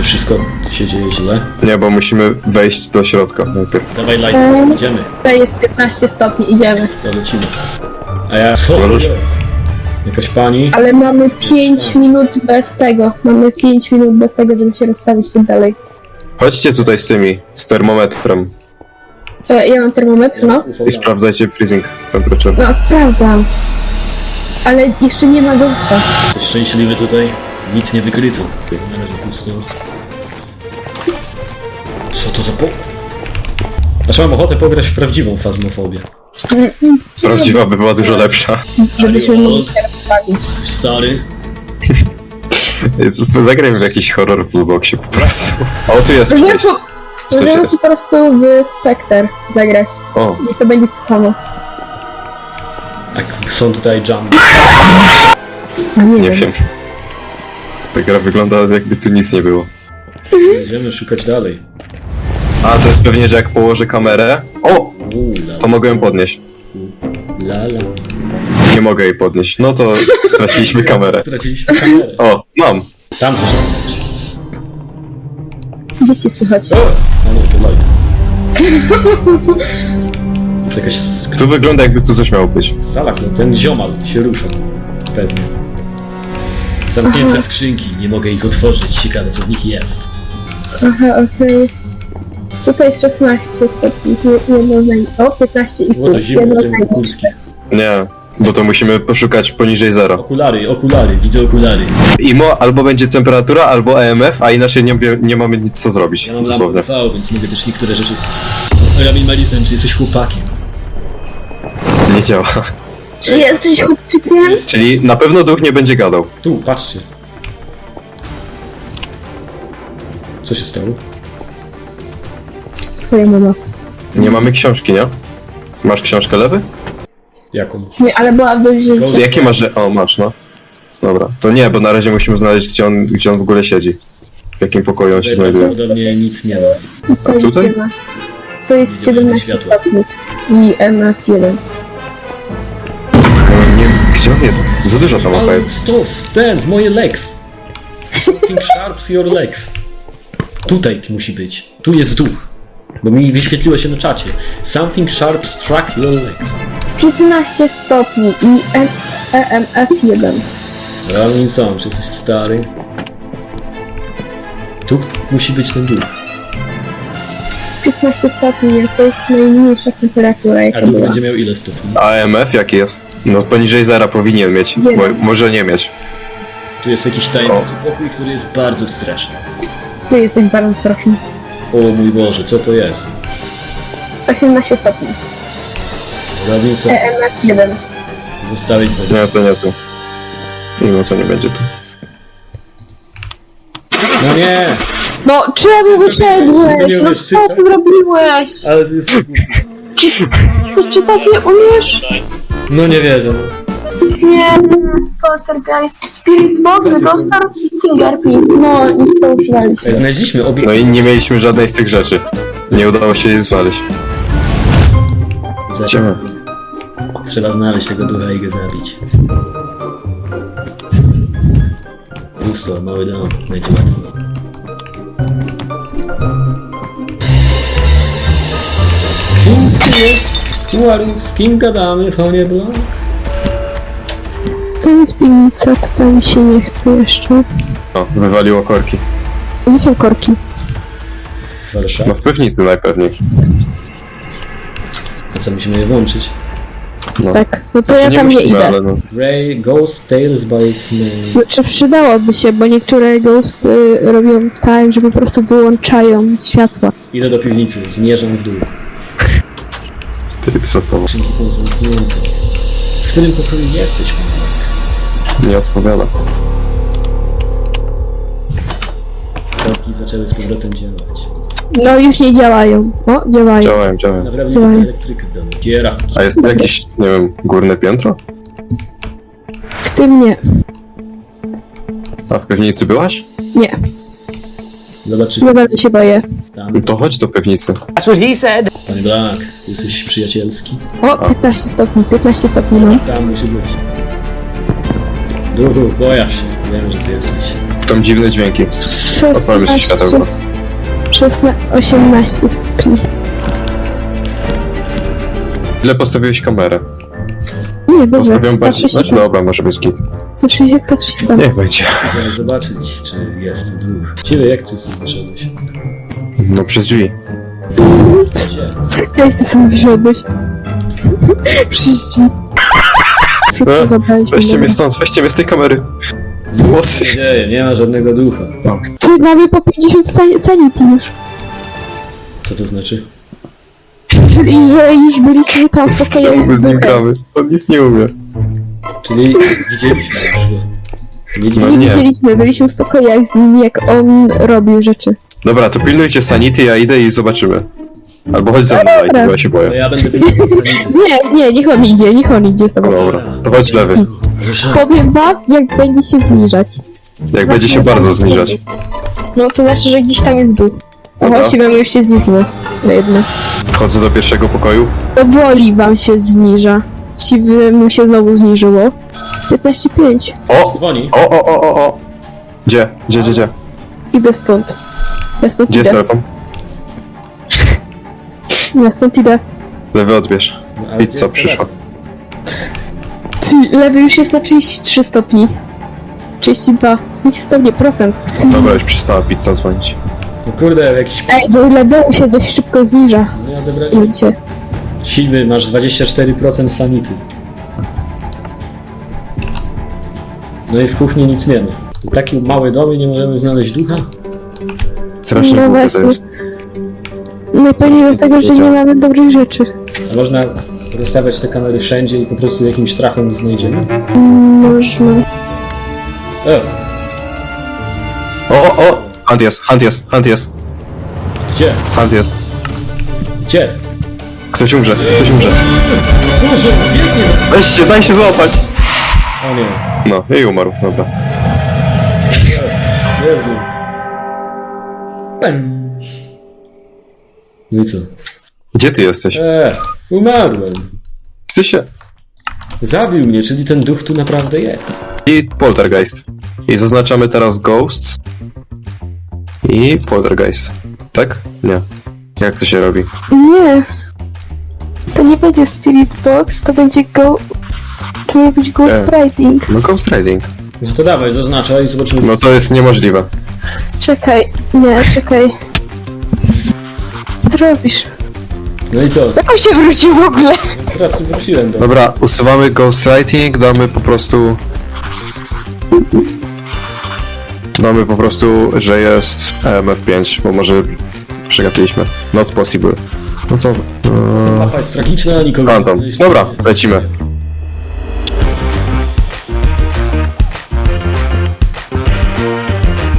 Czy wszystko się dzieje źle? Nie, bo musimy wejść do środka najpierw. Dawaj light, idziemy. Tutaj jest 15 stopni, idziemy. To lecimy. A ja... Co to Możesz? jest? Jakaś pani? Ale mamy 5 minut bez tego. Mamy 5 minut bez tego, żeby się rozstawić tak dalej. Chodźcie tutaj z tymi, z termometrem Ja mam termometr, no. i sprawdzajcie freezing temperature. No, sprawdzam. Ale jeszcze nie ma ghosta. Jesteś szczęśliwy tutaj? Nic nie wykryto. Na razie pusto. Co to za po... Aż mam ochotę pograć w prawdziwą fazmofobię. Prawdziwa by była dużo lepsza. Żebyśmy mogli się rozstawić. Jesteś stary? Zagrajmy w jakiś horror w Blueboxie po prostu. O, tu jest Możemy przejście. Co możemy się... ci po prostu w Spectre zagrać. O, I to będzie to samo. Tak, są tutaj jump. A nie wiem. Ta gra wygląda jakby tu nic nie było. Będziemy szukać dalej. A, to jest pewnie, że jak położę kamerę... O! La, To mogę ją podnieść. la. Nie mogę jej podnieść. No to straciliśmy kamerę. Straciliśmy kamerę. O, mam. Tam coś słychać. Dzieci słychać. O! A nie, to light. To jakaś Tu wygląda jakby tu coś miało być. sala, ten ziomal się rusza. Pewnie. Zamknięte skrzynki, nie mogę ich otworzyć. Ciekawe co w nich jest. Aha, okej. Tutaj jest 16 stopni. Jedno z naj... O, 15 i Było to pół. zimno, Jedno z będziemy kurski. najniższych. Nie, bo to musimy poszukać poniżej zera. Okulary, widzę okulary. IMO albo będzie temperatura, albo EMF, a inaczej nie mamy nic co zrobić. Ja mam Dosłownie. lampę UV, więc mogę też niektóre rzeczy... Rabin Marisem, czy jesteś chłopakiem? Nie działa. Czy jesteś chłopczykiem? Czyli na pewno duch nie będzie gadał. Tu, patrzcie. Co się stało? Twoja mama. Nie mamy książki, nie? Masz książkę, Lewy? Jaką? Nie, ale była dość życia. Jakie masz, że... O, masz, no. Dobra, to nie, bo na razie musimy znaleźć, gdzie on w ogóle siedzi. W jakim pokoju on się znajduje. Prawdopodobnie nic nie ma. To jest tutaj? ziemia. To jest 17 Światło. stopni. I MF1. Nie, gdzie on jest? Za dużo tam mapa jest. Stos, ten, w moje legs. Something sharps your legs. Tutaj musi być. Tu jest duch. Bo mi wyświetliło się na czacie. Something sharp struck your legs. 15 stopni i EMF1. Robinson, czy jesteś stary? Tu musi być ten duch. 15 stopni jest, to jest najmniejsza temperatura, A jaka duch była. będzie miał ile stopni? A EMF jaki jest? No poniżej zera powinien mieć, Nie. bo może nie mieć. Tu jest jakiś tajemniczy pokój, który jest bardzo straszny. Ty jesteś bardzo straszny. O mój Boże, co to jest? 18 stopni. Robinson, EMF1. zostałeś sobie. Nie, to nie tu. No to nie będzie tu. No nie! No, czemu wyszedłeś? No Zmieniłeś co ty czytać? zrobiłeś? Ale ty jest... Czy tak nie umiesz? No nie wierzę. Nie, Poltergeist. Spirit Box, Dostar i Fingerprints. No, nic co używaliśmy. Znaleźliśmy obie... No i nie mieliśmy żadnej z tych rzeczy. Nie udało się jej znaleźć. Idziemy. Trzeba znaleźć tego ducha i go zabić. Pusto, mały dom, będzie łatwo. Kim ty jest? Kuaru, z kim gadamy, panie Blanc? To jest piwnica, to tam mi się nie chce jeszcze. O, wywaliło korki. Gdzie są korki? Warszawa. No w piwnicy najpewniej. A co, musimy je włączyć? No. Tak, no to Znaczy, ja tam nie musimy, idę. ale no. Ray, Ghost Tales by Snake. Znaczy przydałoby się, bo niektóre ghosty robią tak, że po prostu wyłączają światła. Idę do piwnicy, zmierzam w dół. Ty za tobą. Skrzynki są zamknięte. W którym pokoju jesteś, panie Blanc? Nie odpowiada. Korki zaczęły z powrotem działać. No już nie działają. O, działają. Działają. Naprawdę nie Działają. ma elektryka w domu. Kiera. A jest tu jakieś, nie wiem, górne piętro? W tym nie. A w piwnicy byłaś? Nie. Zobaczymy Nie bardzo się boję. tam. No to chodź do piwnicy. That's what he said. Panie Blanc, jesteś przyjacielski? O, 15 stopni, 15 stopni mam. Tam musi być. Duchu, pojaw się. Wiem, że ty jesteś. Są dziwne dźwięki. Odpalmy sobie światełko. 18 stopni. Źle postawiłeś kamerę. Nie, dobra, Postawiłem patrzę bardziej... się Znaczy, tam. dobra, może być git. Patrzę się tam. Niech będzie. Chcemy zobaczyć, czy jest duch. Ciebie, jak ty sobie wyszedłeś? No przez drzwi. Gdzie? Jak ty stąd wyszedłeś? Przyjść. Wszystko zabraliśmy. Weźcie mnie z tej kamery. Młodszy. Nie dzieje, nie ma żadnego ducha. Ty mamy po 50 sanity już. Co to znaczy? Czyli, że już byliśmy tam w pokojach Czemu my z z nim duchem. gramy? On nic nie umie. Czyli widzieliśmy już go. No Nie nie. widzieliśmy, byliśmy w pokojach z nim, jak on robił rzeczy. Dobra, to pilnujcie sanity, ja idę i zobaczymy. Albo chodź ze mną, Lajki, bo ja się No boję. ja będę pilnował sanity. Nie, niech on idzie z tobą. Dobra, to chodź lewy. Powiem wam, jak będzie się zniżać. Jak będzie się bardzo zniżać. No to znaczy, że gdzieś tam jest dół. Dobra. Oho, wam już się zniżyło. Na jedno. Wchodzę do pierwszego pokoju. Powoli wam się zniża. Mu się znowu zniżyło. 15,5. O! Dzwoni. O! Gdzie? Idę stąd. Ja stąd Gdzie jest idę. telefon? Ja stąd idę. Lewy odbierz. No, ale gdzie Pizza jest przyszła. telefon? Lewy już jest na 33 stopni. 32. Niech stopnie procent. Dobra, już przestała pizza dzwonić. No kurde, jakiś... Ej, bo lewy się dość szybko zniża. Nie odebrać. Ludzie. Siwy, masz 24% sanity. No i w kuchni nic nie ma. Taki mały dom i nie możemy znaleźć ducha? Strasznie No głupie to właśnie. jest. No pewnie dlatego, że nie mamy dobrych rzeczy. A można rozstawiać te kamery wszędzie i po prostu jakimś trafem znajdziemy? Można. O! Hunt jest. Gdzie? Gdzie? Ktoś umrze. Boże, biegnie! Weźcie, daj się złapać! O nie. No, i umarł, dobra. Jezu. No i co? Gdzie ty jesteś? Umarłem. Ty się... Zabił mnie, czyli ten duch tu naprawdę jest. I poltergeist. I zaznaczamy teraz ghosts. I poltergeist. Tak? Nie. Jak to się robi? Nie. To nie będzie Spirit Box, to będzie To ma być Ghost Riding. No ghost riding. No to dawaj, zaznaczaj i zobaczymy. No to jest niemożliwe. Czekaj. Co robisz? No i co? Jak on się wrócił w ogóle? Teraz wróciłem do... Dobra, usuwamy ghost riding, damy po prostu, że jest EMF5, bo może przegapiliśmy. Not possible. No co? Mapa jest tragiczna, nikogo Phantom. znaleźć Dobra, nie- lecimy.